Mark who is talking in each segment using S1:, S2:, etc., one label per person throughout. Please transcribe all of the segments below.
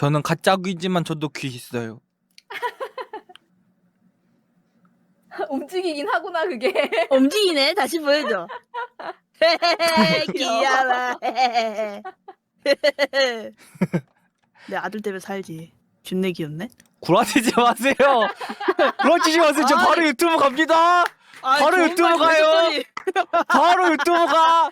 S1: 저는 가짜 귀지만 저도 귀 있어요.
S2: 움직이긴 하구나 그게.
S3: 움직이네. 다시 보여줘.
S2: 귀여워.
S3: 귀여워. 내 아들 때문에 살지. 존내 귀엽네.
S1: 구라치지 마세요. 구라치지 마세요. 저 바로 유튜브 갑니다. 바로
S3: 좋은
S1: 유튜브
S3: 말
S1: 가요.
S3: 그랬더니.
S1: 바로 유튜브 가.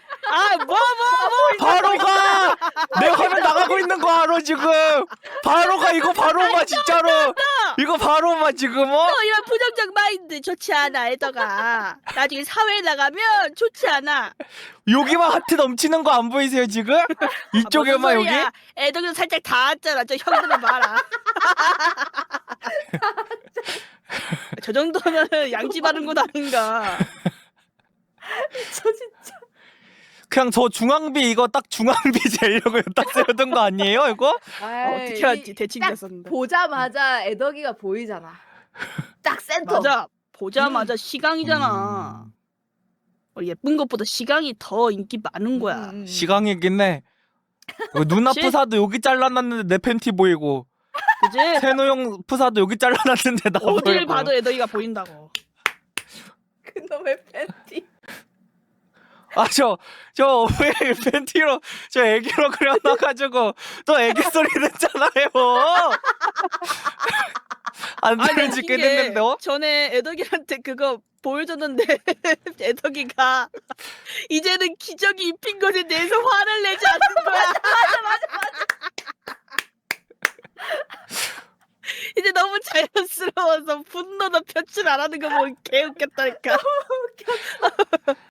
S1: 바로 가. 내 화면 나가고 있는 거 알아 지금. 바로 가. 이거 바로 가 진짜로. 이거 바로 가 지금.
S3: 이런 부정적 마인드 좋지 않아, 애더가. 나중에 사회에 나가면 좋지 않아.
S1: 여기만 하트 넘치는 거 안 보이세요 지금? 이쪽에만 여기?
S3: 애덕이도 살짝 닿았잖아. 저 형들은 봐라. 저 정도면 양지 바른 거 아닌가.
S2: 저 진짜.
S1: 그냥 저 중앙비 이거 딱 중앙비 재려고 딱 세우던 거 아니에요 이거?
S3: 어떻게 알지? 대칭
S2: 딱
S3: 됐었는데.
S2: 보자마자 애덕이가 보이잖아. 딱 센터.
S3: 맞아. 보자마자 시강이잖아. 예쁜 것보다 시강이 더 인기 많은 거야.
S1: 시강이긴 해. 누나
S3: 그치?
S1: 프사도 여기 잘라놨는데 내 팬티 보이고
S3: 그지?
S1: 세노 형 프사도 여기 잘라놨는데 나
S3: 어딜
S1: 보이고.
S3: 봐도 애덕이가 보인다고.
S2: 그놈의 팬티.
S1: 저 왜 팬티로 저 애기로 그려놔가지고 또 애기 소리 듣잖아요. 안 들어지게
S3: 웃긴 게
S1: 됐는데
S3: 전에 애덕이한테 그거 보여줬는데 애덕이가 이제는 기저귀 입힌 것에 대해서 화를 내지 않는 거야. 이제 너무 자연스러워서 분노도 표출 안 하는 거 보면 개웃겼다니까.